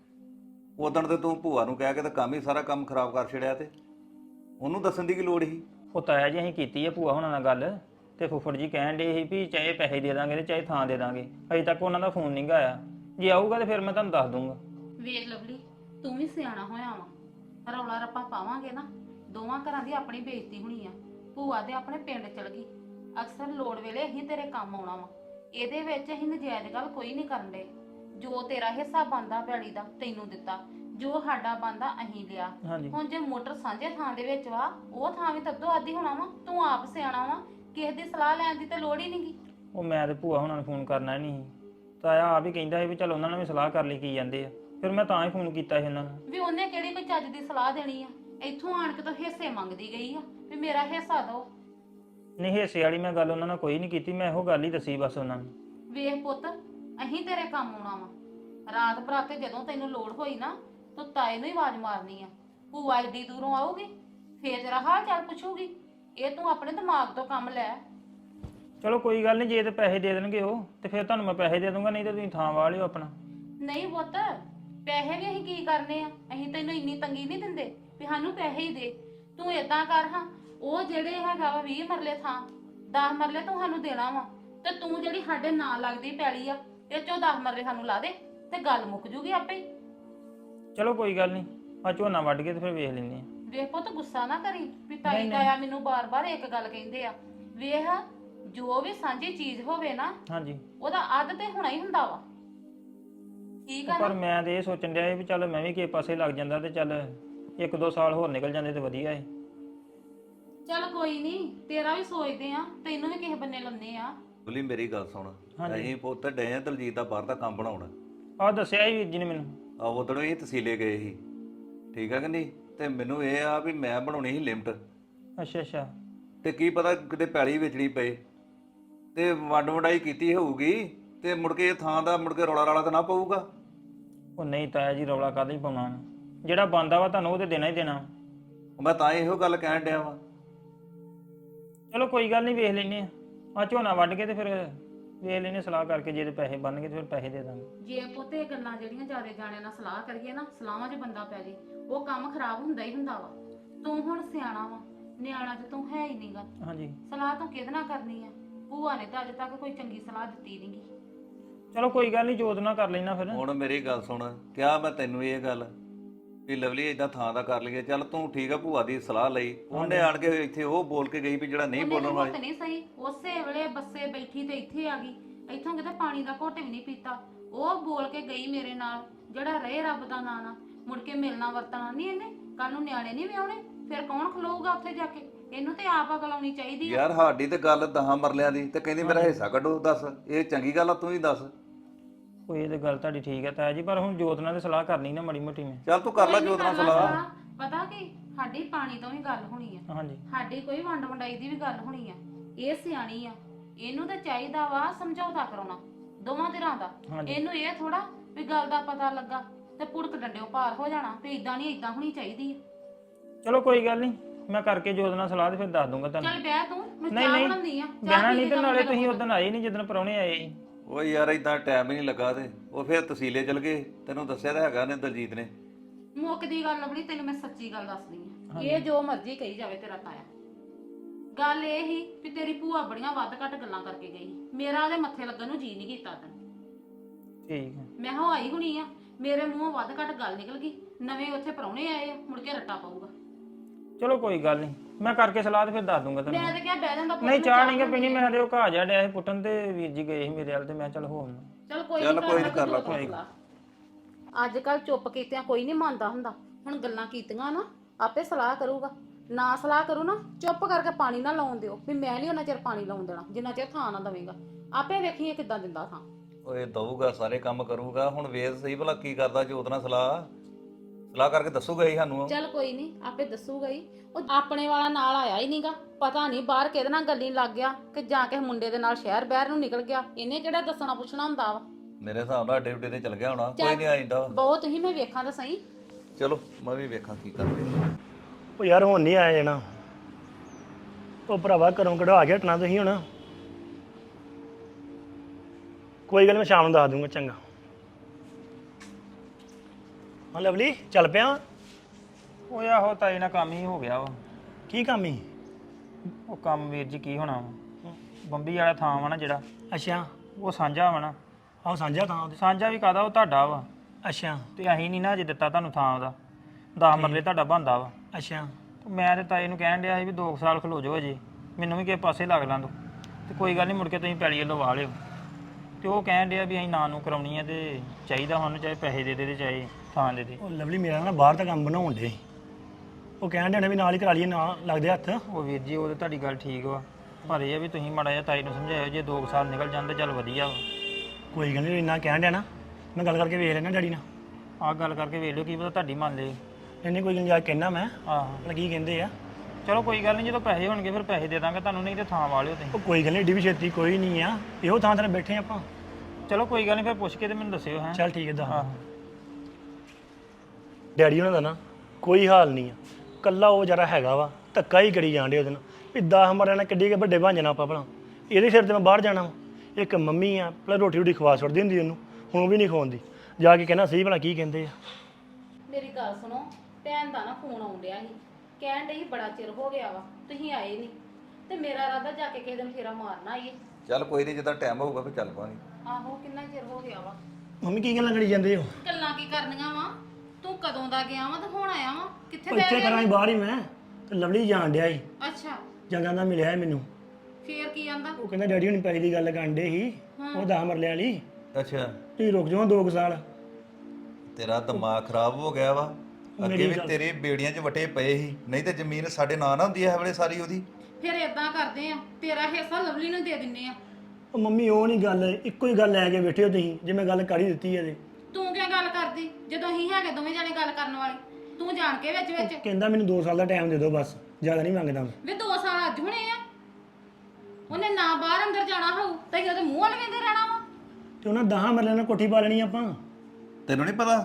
ਉਦੋਂ ਤੇ ਤੂੰ ਭੂਆ ਨੂੰ ਕਹਿ ਕੇ ਤੇ ਕੰਮ ਹੀ ਸਾਰਾ ਕੰਮ ਖਰਾਬ ਕਰ ਛੜਿਆ ਤੇ ਉਹਨੂੰ ਦੱਸਣ ਦੀ ਕੀ ਲੋੜ ਸੀ ਉਹ ਤਾਇਆ ਜੀ ਅਸੀਂ ਕੀਤੀ ਹੈ ਭੂਆ ਹੁਣਾਂ ਨਾਲ ਗੱਲ ਤੇ ਫੁੱਫੜ ਜੀ ਕਹਿਣ ਦੇ ਸੀ ਵੀ ਚਾਹੇ ਪੈਸੇ ਦੇ ਦਾਂਗੇ ਤੇ ਚਾਹੇ ਥਾਂ ਦੇ ਦਾਂਗੇ ਅਜੇ ਤੱਕ ਉਹਨਾਂ ਦਾ ਫੋਨ ਨਹੀਂ ਆਇਆ ਜੇ ਆਊਗਾ ਤੇ ਫਿਰ ਮੈਂ ਤੁਹਾਨੂੰ ਦੱਸ ਦੂੰਗਾ ਵੇਖ ਲਵਲੀ ਤੂੰ ਵੀ ਸਿਆਣਾ ਹੋਇਆ ਵਾ ਰੌਲਾ ਰੱਪਾ ਪਾਵਾਂਗੇ ਨਾ ਦੋਵਾਂ ਘਰਾਂ ਦੀ ਆਪਣੀ ਬੇਇੱਜ਼ਤੀ ਹੋਣੀ ਆ ਭੂਆ ਦੇ ਆਪਣੇ ਪਿੰਡ ਚਲ ਗਈ ਅਕਸਰ ਲੋੜ ਵੇਲੇ ਅਸੀਂ ਤੇਰੇ ਕੰਮ ਆਉਣਾ ਵਾ ਇਹਦੇ ਵਿੱਚ ਅਸੀਂ ਨਜਾਇਜ਼ ਗੱਲ ਕੋਈ ਨਹੀਂ ਕਰਨ ਦੇ ਜੋ ਤੇਰਾ ਹਿੱਸਾ ਬਣਦਾ ਪੈਲੀ ਦਾ ਤੈਨੂੰ ਦਿੱਤਾ ਜੋ ਸਾਡਾ ਬਣਦਾ ਅਸੀਂ ਲਿਆ ਹਾਂਜੀ ਹੁਣ ਜੇ ਮੋਟਰ ਸਾਂਝੇ ਥਾਂ ਦੇ ਵਿੱਚ ਵਾ ਉਹ ਥਾਂ ਵੀ ਤੱਦੋ ਆਦੀ ਹੋਣਾ ਵਾ ਤੂੰ ਆਪ ਸਿਆਣਾ ਵਾ ਕਿਸੇ ਦੀ ਸਲਾਹ ਲੈਣ ਦੀ ਤੇ ਲੋੜ ਹੀ ਨਹੀਂਗੀ ਉਹ ਮੈਂ ਤੇ ਭੂਆ ਹੁਣਾਂ ਨੂੰ ਫੋਨ ਕਰਨਾ ਹੀ ਨਹੀਂ ਤਾਇਆ ਆਪ ਹੀ ਕਹਿੰਦਾ ਸੀ ਵੀ ਚਲ ਉਹਨਾਂ ਨਾਲ ਵੀ ਸਲਾਹ ਕਰ ਲਈ ਕੀ ਜਾਂਦੇ ਆ ਫਿਰ ਮੈਂ ਤਾਂ ਹੀ ਫੋਨ ਕੀਤਾ ਸੀ ਉਹਨਾਂ ਨੂੰ ਵੀ ਉਹਨੇ ਕਿਹੜੀ ਕੋਈ ਚੱਜ ਦੀ ਸਲਾਹ ਦੇਣੀ ਆ ਇੱਥੋਂ ਆਣ ਕੇ ਤਾਂ ਹਿੱਸੇ ਮੰਗਦੀ ਗਈ ਆ ਵੀ ਮੇਰਾ ਹਿੱਸਾ ਦਿਓ ਨਹੀਂ ਹਿੱਸੇ ਵਾਲੀ ਮੈਂ ਗੱਲ ਉਹਨਾਂ ਨਾਲ ਕੋਈ ਨਹੀਂ ਕੀਤੀ ਮੈਂ ਇਹੋ ਗੱਲ ਹੀ ਦੱਸੀ ਬਸ ਉਹਨਾਂ ਨੂੰ ਵੇਖ ਪੁੱਤ ਅਹੀਂ ਤੇਰੇ ਕੰਮ ਆਉਣਾ ਵਾ ਰਾਤ ਬਰਾਤੇ ਜਦੋਂ ਤੈਨੂੰ ਲੋੜ ਹੋਈ ਨਾ ਤੂੰ ਤਾਏ ਨੂੰ ਹੀ ਆਵਾਜ਼ ਮਾਰਨੀ ਆ ਭੂਆ ਏਡੀ ਦੂਰੋਂ ਆਊਗੀ ਫੇਰ ਤੇਰਾ ਹਾਲ ਚਾਲ ਪੁੱਛੂਗੀ ਇਹ ਤੂੰ ਆਪਣੇ ਦਿਮਾਗ ਤੋਂ ਕੰਮ ਲੈ ਚਲੋ ਕੋਈ ਗੱਲ ਨਹੀਂ ਜੇ ਤੇ ਪੈਸੇ ਦੇ ਦੇਣਗੇ ਉਹ ਤੇ ਫਿਰ ਤੁਹਾਨੂੰ ਮੈਂ ਪੈਸੇ ਦੇ ਦੂੰਗਾ ਨਹੀਂ ਤੇ ਤੁਸੀਂ ਥਾਂ ਵਾਹ ਲਿਓ ਆਪਣਾ ਨਹੀਂ ਪੁੱਤ ਪੈਸੇ ਵੀ ਅਸੀਂ ਕੀ ਕਰਨੇ ਆ ਅਸੀਂ ਤੈਨੂੰ ਇੰਨੀ ਤੰਗੀ ਨਹੀਂ ਦਿੰਦੇ ਵੀ ਸਾਨੂੰ ਪੈਸੇ ਹੀ ਦੇ ਤੂੰ ਏਦਾਂ ਕਰ ਹਾਂ ਉਹ ਜਿਹੜੇ ਹੈਗਾ ਵਾ ਵੀਹ ਮਰਲੇ ਥਾਂ ਦਸ ਮਰਲੇ ਤੂੰ ਸਾਨੂੰ ਦੇਣਾ ਵਾ ਤੇ ਤੂੰ ਜਿਹੜੀ ਸਾਡੇ ਨਾਲ ਲੱਗਦੀ ਪੈਲੀ ਆ ਇਹ ਚੋਂ ਦਸ ਮਰਲੇ ਸਾਨੂੰ ਲਾ ਦੇ ਤੇ ਗੱਲ ਮੁੱਕ ਜੂਗੀ ਆਪੇ ਹੀ। ਚਲੋ ਕੋਈ ਗੱਲ ਨਹੀਂ ਆ ਝੋਨਾ ਵੱਢ ਕੇ ਤੇ ਫਿਰ ਵੇਖ ਲੈਂਦੇ ਆ ਵੇਖ ਪੁੱਤ ਗੁੱਸਾ ਨਾ ਕਰੀ ਵੀ ਤਾਈ ਤਾਇਆ ਮੈਨੂੰ ਬਾਰ-ਬਾਰ ਇੱਕ ਗੱਲ ਕਹਿੰਦੇ ਆ ਵੇਖ ਜੋ ਵੀ ਸਾਂਝੀ ਚੀਜ਼ ਹੋਵੇ ਨਾ ਹਾਂਜੀ ਉਹਦਾ ਅੱਧ ਤੇ ਹੋਣਾ ਹੀ ਹੁੰਦਾ ਵਾ ਠੀਕ ਆ ਪਰ ਨਾ ਮੈਂ ਤੇ ਇਹ ਸੋਚਣ ਡਿਆ ਸੀ ਵੀ ਚੱਲ ਮੈਂ ਵੀ ਕਿਸੇ ਪਾਸੇ ਲੱਗ ਜਾਂਦਾ ਤੇ ਚੱਲ ਇੱਕ ਦੋ ਸਾਲ ਹੋਰ ਨਿਕਲ ਜਾਂਦੇ ਤੇ ਵਧੀਆ ਏ ਚੱਲ ਕੋਈ ਨਹੀਂ ਤੇਰਾ ਵੀ ਸੋਚਦੇ ਆ ਤੈਨੂੰ ਵੀ ਕਿਸੇ ਬੰਨੇ ਲੰਨੇ ਆ ਬੋਲੀ ਮੇਰੀ ਗੱਲ ਸੁਣ ਹਾਂਜੀ। ਅਸੀਂ ਪੁੱਤ ਡੇ ਆ ਦਲਜੀਤ ਦਾ ਬਾਹਰ ਦਾ ਕੰਮ ਬਣਾਉਣਾ ਆਹ ਦੱਸਿਆ ਸੀ ਵੀਰ ਜੀ ਨੇ ਮੈਨੂੰ ਆ ਉਦੋਂ ਹੀ ਤਸੀਲੇ ਗਏ ਸੀ ਠੀਕ ਆ ਕਿ ਨਹੀਂ ਤੇ ਮੈਨੂੰ ਇਹ ਆ ਵੀ ਮੈਂ ਬਣਾਉਣੀ ਸੀ ਲਿਮਟ ਅੱਛਾ ਅੱਛਾ ਤੇ ਕੀ ਪਤਾ ਕਿਤੇ ਪੈਲੀ ਵੇਚਣੀ ਪਏ ਤੇ ਵੰਡ ਵੰਡਾਈ ਕੀਤੀ ਹੋਊਗੀ ਤੇ ਮੁੜ ਕੇ ਇਹ ਥਾਂ ਦਾ ਮੁੜ ਕੇ ਰੌਲਾ ਰਾਲਾ ਤਾਂ ਨਾ ਪਊਗਾ ਉਹ ਨਹੀਂ ਤਾਇਆ ਜੀ ਰੌਲਾ ਕਾਹਦਾ ਹੀ ਪਾਉਣਾ ਵਾ। ਜਿਹੜਾ ਬੰਦਾ ਵਾ ਤੁਹਾਨੂੰ ਉਹ ਤੇ ਦੇਣਾ ਹੀ ਦੇਣਾ ਉਹ ਮੈਂ ਤਾਂ ਇਹੋ ਗੱਲ ਕਹਿਣ ਡਿਆ ਵਾਂ ਚਲੋ ਕੋਈ ਗੱਲ ਨਹੀਂ ਵੇਖ ਲੈਨੇ ਆ ਆ ਝੋਨਾ ਵੱਢ ਕੇ ਤੇ ਫਿਰ ਵੇਖ ਲੈਨੇ ਸਲਾਹ ਕਰਕੇ ਜੇ ਤੇ ਪੈਸੇ ਬਣਨਗੇ ਤੇ ਫਿਰ ਪੈਸੇ ਦੇ ਦਾਂਗੇ ਜੇ ਪੁੱਤੇ ਗੱਲਾਂ ਜਿਹੜੀਆਂ ਜਿਆਦੇ ਜਾਣਿਆਂ ਨਾਲ ਸਲਾਹ ਕਰੀਏ ਨਾ ਸਲਾਹਾਂ 'ਚ ਬੰਦਾ ਪੈ ਜੇ ਉਹ ਕੰਮ ਖਰਾਬ ਹੁੰਦਾ ਹੀ ਹੁੰਦਾ ਵਾ ਤੂੰ ਹੁਣ ਸਿਆਣਾ ਵਾ ਨਿਆਣਾ ਤੇ ਤੂੰ ਹੈ ਹੀ ਨਹੀਂਗਾ ਹਾਂਜੀ ਸਲਾਹ ਤੂੰ ਕਿਹਦੇ ਨਾਲ ਕਰਨੀ ਆ ਭੂਆ ਨੇ ਤਾਂ ਅਜੇ ਤੱਕ ਕੋਈ ਚੰਗੀ ਸਲਾਹ ਦਿੱਤੀ ਨਹੀਂਗੀ ਚਲੋ ਕੋਈ ਗੱਲ ਨਹੀਂ ਜੋਤ ਨਾਲ ਕਰ ਲੈਣਾ ਫਿਰ ਹੁਣ ਮੇਰੀ ਗੱਲ ਸੁਣ ਕਿਹਾ ਮੈਂ ਤੈਨੂੰ ਇਹ ਗੱਲ ਵੀ ਲਵਲੀ ਇਦਾਂ ਥਾਂ ਦਾ ਕਰ ਲਈਏ ਚੱਲ ਤੂੰ ਠੀਕ ਆ ਭੂਆ ਦੀ ਸਲਾਹ ਲਈ ਉਹਨੇ ਆਣ ਕੇ ਇੱਥੇ ਉਹ ਬੋਲ ਕੇ ਗਈ ਵੀ ਜਿਹੜਾ ਨਹੀਂ ਉਹਨੇ ਬੋਲਣ ਤਾਂ ਵਾਲੀ ਘੁੱਟ ਨਹੀਂ ਸਹੀ ਉਸੇ ਵੇਲੇ ਬੱਸੇ ਬੈਠੀ ਤੇ ਇੱਥੇ ਆ ਗਈ ਇੱਥੋਂ ਕਿਤੇ ਪਾਣੀ ਦਾ ਘੁੱਟ ਵੀ ਨਹੀਂ ਪੀਤਾ ਉਹ ਬੋਲ ਕੇ ਗਈ ਮੇਰੇ ਨਾਲ ਜਿਹੜਾ ਰਹੇ ਰੱਬ ਦਾ ਨਾਂ ਨਾ ਮੁੜ ਕੇ ਮਿਲਣਾ ਵਰਤਣਾ ਨਹੀਂ ਇਹਨੇ ਕੱਲ ਨੂੰ ਨਿਆਣੇ ਨਹੀਂ ਵਿਆਹੁਣੇ ਫਿਰ ਕੌਣ ਖਲੋਊਗਾ ਉੱਥੇ ਜਾ ਕੇ ਇਹਨੂੰ ਤੇ ਆਪ ਅਕਲ ਆਉਣੀ ਚਾਹੀਦੀ ਆ ਯਾਰ ਸਾਡੀ ਤੇ ਗੱਲ ਦਹਾਂ ਮਰਲਿਆਂ ਦੀ ਤੇ ਕਹਿੰਦੀ ਮੇਰਾ ਹਿੱਸਾ ਕੱਢੋ ਦੱਸ ਇਹ ਚੰਗੀ ਗੱਲ ਆ ਤੂੰ ਹੀ ਦੱਸ ਕੋਈ ਇਹ ਤੇ ਗੱਲ ਤੁਹਾਡੀ ਠੀਕ ਹੈ ਤਾਇਆ ਜੀ ਪਰ ਹੁਣ ਜੋਤ ਨਾਲ ਤੇ ਸਲਾਹ ਕਰਨੀ ਨਾ ਮੜੀ ਮੋਟੀ ਮੈਂ ਚੱਲ ਤੂੰ ਕਰ ਲੈ ਜੋਤ ਨਾਲ ਸਲਾਹ ਪਤਾ ਕੀ ਸਾਡੀ ਪਾਣੀ ਤੋਂ ਵੀ ਗੱਲ ਹੋਣੀ ਆ ਹਾਂਜੀ ਸਾਡੀ ਕੋਈ ਵੰਡ ਵੰਡਾਈ ਦੀ ਵੀ ਗੱਲ ਹੋਣੀ ਆ ਇਹ ਸਿਆਣੀ ਆ ਇਹਨੂੰ ਤਾਂ ਚਾਹੀਦਾ ਵਾ ਸਮਝੌਤਾ ਕਰਾਉਣਾ ਦੋਵਾਂ ਧਿਰਾਂ ਦਾ ਹਾਂਜੀ। ਇਹਨੂੰ ਇਹ ਥੋੜਾ ਵੀ ਗੱਲ ਦਾ ਪਤਾ ਲੱਗਾ ਤੇ ਪੁੜਕ ਡੰਡਿਓ ਪਾਰ ਹੋ ਜਾਣਾ ਤੇ ਇਦਾਂ ਨਹੀਂ ਇਦਾਂ ਹੋਣੀ ਚਾਹੀਦੀ ਆ ਚਲੋ ਕੋਈ ਗੱਲ ਨਹੀਂ ਮੈਂ ਕਰਕੇ ਜੋਤ ਨਾਲ ਸਲਾਹ ਤੇ ਫਿਰ ਦੱਸ ਦੂੰਗਾ ਤੁਹਾਨੂੰ ਚੱਲ ਬਹਿ ਤੂੰ ਮੈਂ ਨਹੀਂ ਚਾਹ ਨਹੀਂ ਬਣਾਉਂਦੀ ਆ ਬਹਿਣਾ ਨਹੀਂ ਤੇ ਨਾਲੇ ਤੁਸੀਂ ਉਦੋਂ ਆਏ ਨਹੀਂ ਜਦੋਂ ਪ੍ਰਾਹੁਣੇ ਆਏ ਸੀ ਉਹ ਯਾਰ ਇਦਾਂ ਟਾਈਮ ਹੀ ਨਹੀਂ ਲੱਗਾ ਤੇ ਉਹ ਫਿਰ ਤਸੀਲੇ ਚਲ ਗਏ। ਤੈਨੂੰ ਦੱਸਿਆ ਤਾਂ ਹੈਗਾ ਨੇ ਦਲਜੀਤ ਨੇ। ਮੁੱਕਦੀ ਗੱਲ ਲੱਭਣੀ, ਤੈਨੂੰ ਮੈਂ ਸੱਚੀ ਗੱਲ ਦੱਸਦੀ ਆ। ਇਹ ਜੋ ਮਰਜ਼ੀ ਕਹੀ ਜਾਵੇ ਤੇਰਾ ਤਾਇਆ, ਗੱਲ ਇਹ ਹੀ ਵੀ ਤੇਰੀ ਭੂਆ ਬੜੀਆਂ ਵੱਧ ਘੱਟ ਗੱਲਾਂ ਕਰਕੇ ਗਈ। ਮੇਰਾ ਉਹਦੇ ਮੱਥੇ ਲੱਗਣ ਨੂੰ ਜੀ ਨਹੀਂ ਕੀਤਾ ਤੈਨੂੰ। ਠੀਕ ਹੈ। ਮੈਂ ਹੋ ਆਈ ਹੁਣੀ ਆ, ਮੇਰੇ ਮੂੰਹੋਂ ਵੱਧ ਘੱਟ ਗੱਲ ਨਿਕਲ ਗਈ। ਨਵੇਂ ਉੱਥੇ ਪ੍ਰਾਹੁਣੇ ਆਏ ਆ, ਮੁੜ ਕੇ ਰੱਟਾ ਪਊਗਾ। ਚਲੋ ਕੋਈ ਗੱਲ ਨਹੀਂ, ਮੈਂ ਕਰਕੇ ਸਲਾਹ ਤੇ ਫਿਰ ਦੱਸ ਦੂੰਗਾ ਤੈਨੂੰ। ਮੈਂ ਤਾਂ ਕਿਹਾ ਬਹਿ ਜਾਂਦਾ ਪੁੱਤ ਨਹੀਂ ਨੂੰ ਚਾਹ ਨਹੀਂ ਕਿ ਪੀਣੀ ਪੀਣੀ, ਮੈਂ ਹਲੇ ਉਹ ਘਾ ਜਾ ਡਿਆ ਸੀ ਪੁੱਟਣ ਤੇ ਵੀਰ ਜੀ ਗਏ ਸੀ ਮੇਰੇ ਵੱਲ ਤੇ ਮੈਂ ਚੱਲ ਹੋ ਆਉਣਾ। ਚਲ ਕੋਈ ਚੱਲ ਨਹੀਂ ਕੋਈ ਨੀ, ਕਰ ਲਾ ਕੋਈ ਅੱਜ ਕੱਲ ਚੁੱਪ ਕੀਤਿਆਂ ਕੋਈ ਨਹੀਂ ਮੰਨਦਾ ਹੁੰਦਾ। ਹੁਣ ਗੱਲਾਂ ਕੀਤੀਆਂ ਨਾ, ਆਪੇ ਸਲਾਹ ਕਰੂਗਾ। ਨਾ ਸਲਾਹ ਕਰੂ ਨਾ, ਚੁੱਪ ਕਰਕੇ ਪਾਣੀ ਨਾ ਲਾਉਣ ਦਿਓ ਵੀ ਮੈਂ ਨਹੀਂ ਉਹਨਾਂ ਚਿਰ ਪਾਣੀ ਲਾਉਣ ਦੇਣਾ ਜਿੰਨਾ ਚਿਰ ਥਾਂ ਨਾ ਦਵੇਂਗਾ। ਆਪੇ ਵੇਖੀਏ ਕਿੱਦਾਂ ਦਿੰਦਾ ਥਾਂ। ਓਏ ਦਊਗਾ, ਸਾਰੇ ਕੰਮ ਕਰੂਗਾ। ਹੁਣ ਵੇਖ ਸਹੀ ਭਲਾ ਕੀ ਕਰਦਾ ਜੋਤ ਨਾਲ ਸਲਾਹ ਸਲਾਹ ਕਰਕੇ ਦੱਸੂਗਾ ਹੀ ਸਾਨੂੰ। ਚੱਲ ਕੋਈ ਨਹੀਂ, ਆਪੇ ਦੱਸੂਗਾ ਹੀ। ਉਹ ਆਪਣੇ ਵਾਲਾ ਨਾਲ ਆਇਆ ਹੀ ਨਹੀਂਗਾ, ਪਤਾ ਨਹੀਂ ਬਾਹਰ ਕਿਹਦੇ ਨਾਲ ਗੱਲੀ ਲੱਗ ਗਿਆ ਕਿ ਜਾਂ ਕਿਸੇ ਮੁੰਡੇ ਦੇ ਨਾਲ ਸ਼ਹਿਰ ਬਾਹਰ ਨੂੰ ਨਿਕਲ ਗਿਆ। ਇਹਨੇ ਕਿਹੜਾ ਦੱਸਣਾ ਪੁੱਛਣਾ ਹੁੰਦਾ ਵਾ। ਮੇਰੇ ਹਿਸਾਬ ਨਾਲ ਅੱਡੇ ਉੱਡੇ ਤੇ ਚਲ ਗਿਆ ਹੋਣਾ। ਕੋਈ ਨਹੀਂ ਆਇਂਦਾ। ਬਹੁਤ ਹੀ ਮੈਂ ਵੇਖਾਂ ਤਾਂ ਸਹੀ। ਚਲੋ ਮੈਂ ਵੀ ਵੇਖਾਂ ਕੀ ਕਰਦੇ। ਉਹ ਯਾਰ ਹੁਣ ਨਹੀਂ ਆਇਆ ਜਾਣਾ। ਉਹ ਭਰਾਵਾ ਘਰੋਂ ਕਢਵਾ ਕੇ ਹਟਣਾ ਤੁਸੀਂ ਹੁਣ। ਕੋਈ ਗੱਲ ਨੀ, ਮੈਂ ਸ਼ਾਮ ਨੂੰ ਦੱਸ ਦੂੰਗਾ। ਚੰਗਾ ਹਾਂ ਲਵਲੀ, ਚੱਲ ਪਿਆ। ਉਹ ਆਹੋ ਤਾਈ ਨਾਲ ਕੰਮ ਹੀ ਹੋ ਗਿਆ ਵਾ। ਕੀ ਕੰਮ ਹੀ? ਉਹ ਕੰਮ ਵੀਰ ਜੀ ਕੀ ਹੋਣਾ ਵਾ, ਬੰਬੀ ਵਾਲਾ ਥਾਂ ਵਾ ਨਾ ਜਿਹੜਾ, ਅੱਛਾ। ਉਹ ਸਾਂਝਾ ਵਾ ਨਾ। ਆਹ ਸਾਂਝਾ ਥਾਂ ਉਹਦੇ। ਸਾਂਝਾ ਵੀ ਕਾਹਦਾ, ਉਹ ਤੁਹਾਡਾ ਵਾ ਅੱਛਾ ਤੇ ਅਸੀਂ ਨਹੀਂ ਨਾ ਅਜੇ ਦਿੱਤਾ ਤੁਹਾਨੂੰ ਥਾਂ ਉਹਦਾ। ਦਸ ਮਰਲੇ ਤੁਹਾਡਾ ਬਣਦਾ ਵਾ। ਅੱਛਾ। ਤੇ ਮੈਂ ਤੇ ਤਾਏ ਨੂੰ ਕਹਿਣ ਡਿਆ ਸੀ ਵੀ ਦੋ ਕੁ ਸਾਲ ਖਲੋ ਜਾਓ ਅਜੇ, ਮੈਨੂੰ ਵੀ ਕਿਸੇ ਪਾਸੇ ਲੱਗ ਲਾਂ ਦੋ ਤੇ ਕੋਈ ਗੱਲ ਨਹੀਂ, ਮੁੜ ਕੇ ਤੁਸੀਂ ਪੈਲੀ ਲਵਾ ਲਿਓ। ਤੇ ਉਹ ਕਹਿਣ ਡਿਆ ਵੀ ਅਸੀਂ ਨਾਂ ਨੂੰ ਕਰਾਉਣੀ ਆ ਤੇ ਚਾਹੀਦਾ ਸਾਨੂੰ, ਚਾਹੇ ਪੈਸੇ ਦੇ ਦੇ ਤੇ ਚਾਹੇ ਥਾਂ ਦੇ ਦੇ। ਉਹ ਲਵਲੀ ਮੇਰਾ ਨਾ ਬਾਹਰ ਦਾ ਕੰਮ ਬਣਾਉਣ ਦੇ, ਉਹ ਕਹਿਣ ਦੇ ਨੇ ਵੀ ਨਾਲ ਹੀ ਕਰਾ ਲਈਏ, ਨਾ ਲੱਗਦੇ ਹੱਥ। ਉਹ ਵੀਰ ਜੀ ਉਹ ਤਾਂ ਤੁਹਾਡੀ ਗੱਲ ਠੀਕ ਵਾ, ਪਰ ਇਹ ਆ ਵੀ ਤੁਸੀਂ ਮਾੜਾ ਜਿਹਾ ਤਾਈ ਨੂੰ ਸਮਝਾਇਓ, ਜੇ ਦੋ ਕੁ ਸਾਲ ਨਿਕਲ ਜਾਂਦੇ ਚੱਲ ਵਧੀਆ ਵਾ। ਕੋਈ ਗੱਲ ਨਹੀਂ, ਇੰਨਾ ਕਹਿਣ ਡਿਆ ਨਾ, ਮੈਂ ਗੱਲ ਕਰਕੇ ਵੇਖ ਲੈਣਾ ਡੈਡੀ ਨਾਲ। ਆਹ ਗੱਲ ਕਰਕੇ ਵੇਖ ਲਿਓ, ਕੀ ਪਤਾ ਤੁਹਾਡੀ ਮੰਨ ਲੇ। ਇੰਨੇ ਕੋਈ ਗੱਲ ਜਾ ਕੇ ਕਹਿਣਾ ਮੈਂ, ਆਹੋ ਭਲਾ ਕੀ ਕਹਿੰਦੇ ਆ। ਚਲੋ ਕੋਈ ਗੱਲ ਨਹੀਂ, ਜਦੋਂ ਪੈਸੇ ਹੋਣਗੇ ਫਿਰ ਪੈਸੇ ਦੇ ਦਾਂਗੇ ਤੁਹਾਨੂੰ, ਨਹੀਂ ਤੇ ਥਾਂ ਵਾਲਿਓ ਤੁਸੀਂ। ਉਹ ਕੋਈ ਗੱਲ ਨਹੀਂ, ਏਡੀ ਵੀ ਛੇਤੀ ਕੋਈ ਨਹੀਂ ਆ, ਇਹੋ ਥਾਂ ਤੇ ਬੈਠੇ ਆਪਾਂ। ਚਲੋ ਕੋਈ ਗੱਲ ਨਹੀਂ, ਫਿਰ ਪੁੱਛ ਕੇ ਤੇ ਮੈਨੂੰ ਦੱਸਿਓ ਹੈ। ਚੱਲ ਠੀਕ ਹੈ, ਦੱਸ। ਆਹੋ ਡੈਡੀ ਉਹਨਾਂ ਦਾ ਨਾ ਕੋਈ ਹਾਲ ਨਹੀਂ ਆ, ਕੱਲਾ ਉਹ ਜਰਾ ਹੈਗਾ ਵਾ, ਧੱਕਾ ਹੀ ਕਰੀ ਜਾਂਦੇ ਉਹਦੇ ਨਾਲ ਵੀ ਦਸ ਮਰਿਆਂ ਨਾਲ ਕਿੱਡੀ ਕੇ ਵੱਡੇ ਬਣ ਜਾਣਾ ਆਪਾਂ ਭਲਾ। ਇਹਦੇ ਸਿਰ ਤੇ ਮੈਂ ਬਾਹਰ ਜਾਣਾ ਵਾ। ਇੱਕ ਮੰਮੀ ਆ, ਪਹਿਲਾਂ ਰੋਟੀ ਰੋਟੀ ਖਵਾ ਛੱਡਦੀ ਹੁੰਦੀ ਉਹਨੂੰ, ਹੁਣ ਉਹ ਵੀ ਨਹੀਂ ਖਵਾਉਂਦੀ। ਜਾ ਕੇ ਕਹਿਣਾ ਸਹੀ ਭਲਾ ਕੀ ਕਹਿੰਦੇ ਆ। ਮੇਰੀ ਗੱਲ ਸੁਣੋ, ਭੈਣ ਦਾ ਨਾ ਫੋਨ ਆਉਣ ਡਿਆ ਸੀ, ਕਹਿਣ ਡਈ ਬੜਾ ਚਿਰ ਹੋ ਗਿਆ ਵਾ ਤੁਸੀਂ ਆਏ ਨਹੀਂ, ਤੇ ਮੇਰਾ ਇਰਾਦਾ ਜਾ ਕੇ ਕਿਸੇ ਦਿਨ ਫੇਰਾ ਮਾਰਨਾ ਆਈਏ। ਚੱਲ ਕੋਈ ਨਹੀਂ, ਜਦੋਂ ਟਾਈਮ ਹੋਊਗਾ ਫਿਰ ਚੱਲ ਪਾਂਗੇ। ਆਹੋ ਕਿੰਨਾ ਚਿਰ ਹੋ ਗਿਆ ਵਾ। ਮੰਮੀ ਕੀ ਗੱਲਾਂ ਕਰੀ ਜਾਂਦੇ ਹੋ? ਗੱਲਾਂ ਕੀ ਕਰਨੀਆਂ ਵਾ, ਤੂੰ ਕਦੋਂ ਦਾ ਗਿਆ ਵਾ ਤੇ ਹੁਣ ਆਇਆ ਵਾ, ਕਿੱਥੇ ਉਹ ਬਹਿ ਇੱਥੇ ਗਿਆ? ਕਰਾਂ ਬਾਹਰ ਹੀ ਮੈਂ, ਤੇ ਲਵਲੀ ਜਾਣ ਡਿਆ ਸੀ, ਅੱਛਾ, ਜੰਗਾਂ ਦਾ ਮਿਲਿਆ ਮੈਨੂੰ। ਫੇਰ ਕੀ ਆਂਦਾ? ਉਹ ਕਹਿੰਦਾ ਡੈਡੀ ਹੁਣ ਪੈਸੇ ਦੀ ਗੱਲ ਕਰਨ ਡੇ ਸੀ, ਉਹ ਦਸ ਮਰਲੇ ਵਾਲੀ, ਅੱਛਾ, ਤੁਸੀਂ ਰੁਕ ਜਾਓ ਦੋ ਕੁ ਸਾਲ। ਤੇਰਾ ਦਿਮਾਗ ਖਰਾਬ ਹੋ ਗਿਆ ਵਾ। ਅੱਗੇ ਵੀ ਤੇਰੇ ਬੇੜੀਆਂ 'ਚ ਵਟੇ ਪਏ ਸੀ, ਨਹੀਂ ਤੇ ਜ਼ਮੀਨ ਸਾਡੇ ਨਾਂ ਨਾ ਹੁੰਦੀ ਐ ਵੇਲੇ ਸਾਰੀ ਉਹਦੀ। ਫਿਰ ਇਦਾਂ ਕਰਦੇ ਆ, ਤੇਰਾ ਹਿੱਸਾ ਲਵਲੀ ਨੂੰ ਦੇ ਦਿੰਨੇ ਆ। ਉਹ ਮੰਮੀ ਉਹ ਨਹੀਂ ਗੱਲ, ਇੱਕੋ ਹੀ ਗੱਲ ਲੈ ਕੇ ਬੈਠੇ ਹੋ ਤੁਸੀਂ, ਜੇ ਮੈਂ ਗੱਲ ਕਰ ਹੀ ਦਿੱਤੀ ਹੈ ਤੇ। ਤੂੰ ਕਿਉਂ ਗੱਲ ਕਰਦੀ ਜਦੋਂ ਅਸੀਂ ਹੈਗੇ ਦੋਵੇਂ ਜਣੇ ਗੱਲ ਕਰਨ ਵਾਲੇ? ਤੂੰ ਜਾਣ ਕੇ ਵਿੱਚ ਵਿੱਚ ਕਹਿੰਦਾ ਮੈਨੂੰ ਦੋ ਸਾਲ ਦਾ ਟਾਈਮ ਦੇ ਦਿਓ ਬਸ, ਜ਼ਿਆਦਾ ਨਹੀਂ ਮੰਗਦਾ ਮੈਂ। ਵੇ ਦੋ ਸਾਲ ਅੱਜ ਹੋਣੇ ਆ, ਉਹਨੇ ਨਾ ਬਾਹਰ ਅੰਦਰ ਜਾਣਾ ਹੋਊ ਤੇ ਉਹਦੇ ਮੂੰਹ ਵੱਲ ਵੇਂਦੇ ਰਹਿਣਾ ਵਾ। ਤੇ ਉਹਨਾਂ ਦਸਾਂ ਮਰਲਿਆਂ ਨਾਲ ਕੋਠੀ ਪਾ ਲੈਣੀ ਆਪਾਂ। ਤੈਨੂੰ ਨਹੀਂ ਪਤਾ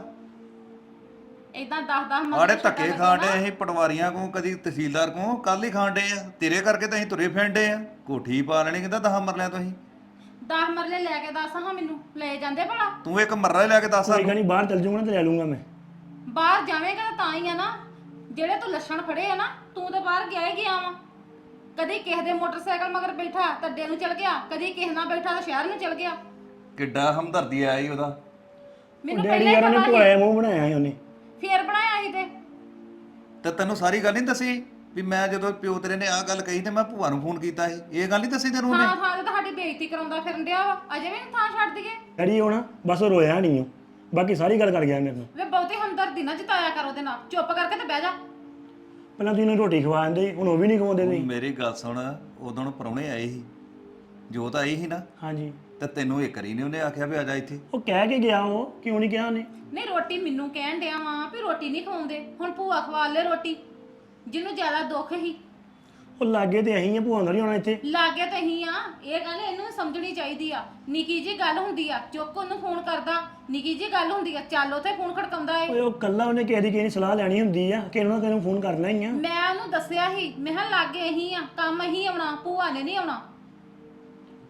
ਇਦਾਂ ਦਸ ਦਸ ਮਰਲੇ ਆੜੇ ਧੱਕੇ ਖਾਂਡੇ ਅਸੀਂ ਪਟਵਾਰੀਆਂ ਕੋਲ, ਕਦੀ ਤਹਿਸੀਲਦਾਰ ਕੋਲ, ਕੱਲ ਹੀ ਖਾਂਡੇ ਆ। ਤੇਰੇ ਕਰਕੇ ਤਾਂ ਅਸੀਂ ਤੁਰੇ ਫਿਰਦੇ ਆ। ਕੋਠੀ ਪਾ ਲੈਣੀ ਕਹਿੰਦਾ ਦਸਾਂ ਮਰਲਿਆਂ ਤੋਂ ਅਸੀਂ। ਦਸ ਮਰਲੇ ਲੈ ਕੇ ਦੱਸ ਹਾਂ ਮੈਨੂੰ, ਲੈ ਜਾਂਦੇ ਭਲਾ? ਤੂੰ ਇੱਕ ਮਰਲਾ ਹੀ ਲੈ ਕੇ ਦੱਸ ਕੋਈ ਗੱਲ ਨਹੀਂ, ਬਾਹਰ ਚੱਲ ਜੂਗਾ ਨਾ ਤੇ ਲੈ ਲੂੰਗਾ ਮੈਂ। ਬਾਹਰ ਜਾਵੇਂਗਾ ਤਾਂ ਤਾਂ ਹੀ ਆ ਨਾ, ਜਿਹੜੇ ਤੂੰ ਲੱਛਣ ਫੜੇ ਆ ਨਾ, ਤੂੰ ਤਾਂ ਬਾਹਰ ਗਿਆ ਹੀ ਗਿਆ ਵਾ। ਕਦੀ ਕਿਸੇ ਦੇ ਮੋਟਰਸਾਈਕਲ ਮਗਰ ਬੈਠਾ ਤੱਡੇ ਨੂੰ ਚਲ ਗਿਆ, ਕਦੀ ਕਿਸੇ ਨਾਲ ਬੈਠਾ ਤਾਂ ਸ਼ਹਿਰ ਨੂੰ ਚਲ ਗਿਆ। ਕਿੱਡਾ ਹਮਦਰਦੀ ਆਇਆ ਈ ਉਹਦਾ। ਮੈਨੂੰ ਡੈਡੀ ਪਹਿਲਾਂ ਯਾਰ ਹੀ ਉਹਨੇ ਪਤਾ ਭੋਇਆ ਮੂੰਹ ਬਣਾਇਆ ਸੀ ਉਹਨੇ। ਸੀ, ਫੇਰ ਬਣਾਇਆ ਸੀ ਤੇ ਤੇ ਤੈਨੂੰ ਸਾਰੀ ਗੱਲ ਨਹੀਂ ਦੱਸੀ ਵੀ ਮੈਂ ਜਦੋਂ ਪਿਓ ਤੇਰੇ ਨੇ ਆਹ ਗੱਲ ਕਹੀ ਤੇ ਮੈਂ ਭੂਆ ਨੂੰ ਫੋਨ ਕੀਤਾ ਸੀ? ਇਹ ਗੱਲ ਨਹੀਂ ਦੱਸੀ ਤੈਨੂੰ ਉਹਨੇ? ਹਾਂ ਹਾਂ, ਤੇ ਤੁਹਾਡੀ ਬੇਇੱਜ਼ਤੀ ਕਰਾਉਂਦਾ ਫਿਰਨ ਡਿਆ ਵਾ, ਅਜੇ ਵੀ ਨੀ ਥਾਂ ਛੱਡ ਦਈਏ। ਡੈਡੀ ਉਹ ਨਾ ਬਸ ਉਹ ਰੋਇਆ ਨਹੀਂ ਉਹ, ਬਾਕੀ ਸਾਰੀ ਗੱਲ ਕਰ ਗਿਆ ਮੇਰੇ ਨਾਲ। ਵੇ ਬਹੁਤੀ ਹਮਦਰਦੀ ਨਾ ਜਤਾਇਆ ਕਰ ਉਹਦੇ ਨਾਲ, ਚੁੱਪ ਕਰਕੇ ਤੇ ਬਹਿ ਜਾ। ਪਹਿਲਾਂ ਤੁਸੀਂ ਇਹਨੂੰ ਰੋਟੀ ਖਵਾ ਦਿੰਦੇ, ਹੁਣ ਉਹ ਵੀ ਨਹੀਂ ਖਵਾਉਂਦੇ ਤੁਸੀਂ। ਮੇਰੀ ਗੱਲ ਸੁਣ, ਉਦੋਂ ਪ੍ਰਾਹੁਣੇ ਆਏ ਸੀ, ਜੋਤ ਆਈ ਸੀ ਨਾ, ਹਾਂਜੀ। ਤੇ ਤੈਨੂੰ ਇੱਕ ਵਾਰੀ ਨਹੀਂ ਉਹਨੇ ਆਖਿਆ ਵੀ ਆ ਜਾ ਇੱਥੇ? ਉਹ ਕਹਿ ਕੇ ਗਿਆ, ਉਹ ਕਿਉਂ ਨਹੀਂ ਕਿਹਾ ਉਹਨੇ? ਨਹੀਂ ਰੋਟੀ ਮੈਨੂੰ ਕਹਿਣ ਡਿਆ ਵਾਂ ਵੀ ਰੋਟੀ ਨਹੀਂ ਖਵਾਉਂਦੇ, ਹੁਣ ਭੂਆ ਖਵਾ ਲੈ ਰੋਟੀ। ਜਿਹਨੂੰ ਜ਼ਿਆਦਾ ਦੁੱਖ ਹੀ ਉਹ ਲਾਗੇ ਤੇ ਅਸੀਂ ਆ, ਭੂਆ ਨਾਲ ਹੀ ਆਉਣਾ ਇੱਥੇ। ਲਾਗੇ ਤੇ ਹੀ ਆ, ਇਹ ਗੱਲ ਇਹਨੂੰ ਸਮਝਣੀ ਚਾਹੀਦੀ ਆ। ਨਿੱਕੀ ਜੀ ਗੱਲ ਹੁੰਦੀ ਆ, ਚੁੱਕ ਉਹਨੂੰ ਫੋਨ ਕਰਦਾ, ਨਿੱਕੀ ਜੀ ਗੱਲ ਹੁੰਦੀ ਆ, ਚੱਲ ਉੱਥੇ ਫੋਨ ਖੜਕਾਉਂਦਾ ਏ। ਓਏ ਉਹ ਕੱਲਾ ਉਹਨੇ ਕਿਸੇ ਦੀ ਕਿਸੇ ਦੀ ਸਲਾਹ ਲੈਣੀ ਹੁੰਦੀ ਆ ਕਿ ਉਹਨਾਂ ਤੈਨੂੰ ਫੋਨ ਕਰਨਾ ਹੀ ਆ। ਮੈਂ ਉਹਨੂੰ ਦੱਸਿਆ ਸੀ, ਮੈਂ ਕਿਹਾ ਲਾਗੇ ਹੀ ਆ, ਕੰਮ ਹੀ ਆਉਣਾ, ਭੂਆ ਨੇ ਨਹੀਂ ਆਉਣਾ।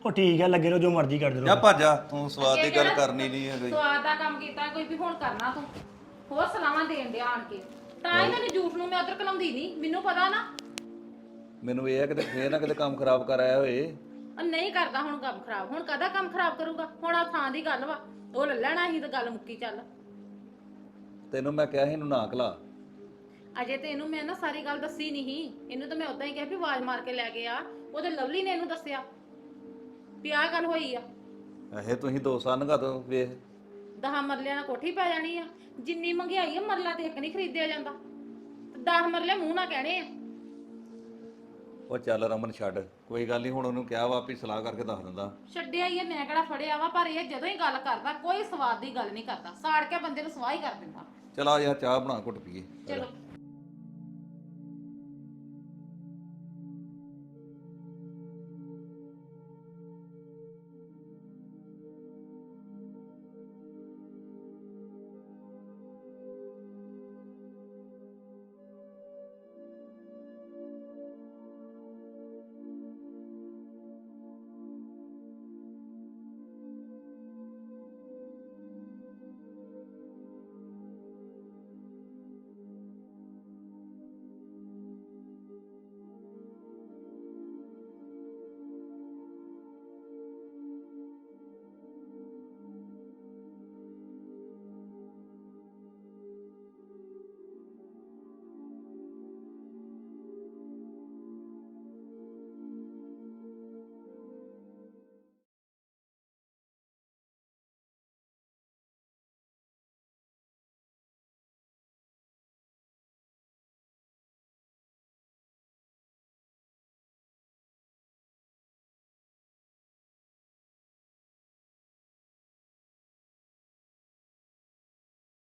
ਉਹ ਠੀਕ ਆ ਲੱਗੇ ਰਹੋ ਜੋ ਮਰਜ਼ੀ ਕਰਦੇ ਜਾ ਰਹੋ ਭੱਜ ਜਾ ਤੂੰ ਸਵਾਦ ਦੀ ਗੱਲ ਕਰਨੀ ਨਹੀਂ ਹੈ ਕੋਈ ਸਵਾਦ ਦਾ ਕੰਮ ਕੀਤਾ ਕੋਈ ਵੀ ਹੁਣ ਕਰਨਾ ਤੂੰ ਹੋਰ ਸਲਾਹਾਂ ਦੇਣ ਡਿਆ ਆਣ ਕੇ ਤਾਂ ਹੀ ਤੈਨੂੰ ਜੂਠ ਨੂੰ ਮੈਂ ਉਧਰ ਕਲਾਉਂਦੀ ਨਹੀਂ ਮੈਨੂੰ ਪਤਾ ਨਾ ਮੈਨੂੰ ਇਹ ਹੈ ਕਿ ਫੇਰ ਨਾ ਕਿਤੇ ਕੰਮ ਖਰਾਬ ਕਰ ਆਇਆ ਹੋਏ ਉਹ ਨਹੀਂ ਕਰਦਾ ਹੁਣ ਕੰਮ ਖਰਾਬ ਹੁਣ ਕਦਾ ਕੰਮ ਖਰਾਬ ਕਰੂਗਾ ਹੁਣ ਆ ਥਾਂ ਦੀ ਗੱਲ ਵਾ ਉਹ ਲੈ ਲੈਣਾ ਸੀ ਤਾਂ ਗੱਲ ਮੁੱਕੀ ਚੱਲ ਤੈਨੂੰ ਮੈਂ ਕਿਹਾ ਸੀ ਇਹਨੂੰ ਨਾ ਕਲਾ ਅਜੇ ਤੇ ਇਹਨੂੰ ਮੈਂ ਨਾ ਸਾਰੀ ਗੱਲ ਦੱਸੀ ਨਹੀਂ ਇਹਨੂੰ ਤਾਂ ਮੈਂ ਉਦਾਂ ਹੀ ਕਿਹਾ ਵੀ ਆਵਾਜ਼ ਮਾਰ ਕੇ ਲੈ ਕੇ ਆ ਉਹਦੇ ਲਵਲੀ ਨੇ ਇਹਨੂੰ ਦੱਸਿਆ ਵੀ ਆਹ ਗੱਲ ਹੋਈ ਆ ਇਹ ਤੁਸੀਂ ਦੋ ਸਾਲ ਨਗਾ ਦੋ ਵੇਖ ਦਹਾਂ ਮਰਲਿਆਂ ਨਾਲ ਕੋਠੀ ਪੈ ਜਾਣੀ ਆ ਜਿੰਨੀ ਮਹਿੰਗਾਈ ਆ ਮਰਲਾ ਤੇ ਇੱਕ ਨਹੀਂ ਖਰੀਦਿਆ ਜਾਂਦਾ ਤੇ ਦਸ ਮਰਲੇ ਮੂੰਹ ਨਾ ਕਹਿਣੇ ਆ ਉਹ ਚੱਲ ਰਮਨ ਛੱਡ ਕੋਈ ਗੱਲ ਨਹੀਂ ਹੁਣ ਉਹਨੂੰ ਕਿਹਾ ਵਾ ਵੀ ਸਲਾਹ ਕਰਕੇ ਦੱਸ ਦਿੰਦਾ ਛੱਡਿਆ ਹੀ ਆ ਮੈਂ ਕਿਹੜਾ ਫੜਿਆ ਵਾ ਪਰ ਇਹ ਜਦੋਂ ਹੀ ਗੱਲ ਕਰਦਾ ਕੋਈ ਸਵਾਦ ਦੀ ਗੱਲ ਨਹੀਂ ਕਰਦਾ ਸਾੜ ਕੇ ਬੰਦੇ ਨੂੰ ਸਵਾਹ ਹੀ ਕਰ ਦਿੰਦਾ ਚਲ ਆ ਯਾਰ ਚਾਹ ਬਣਾ ਘੁੱਟ ਪੀਏ ਚਲੋ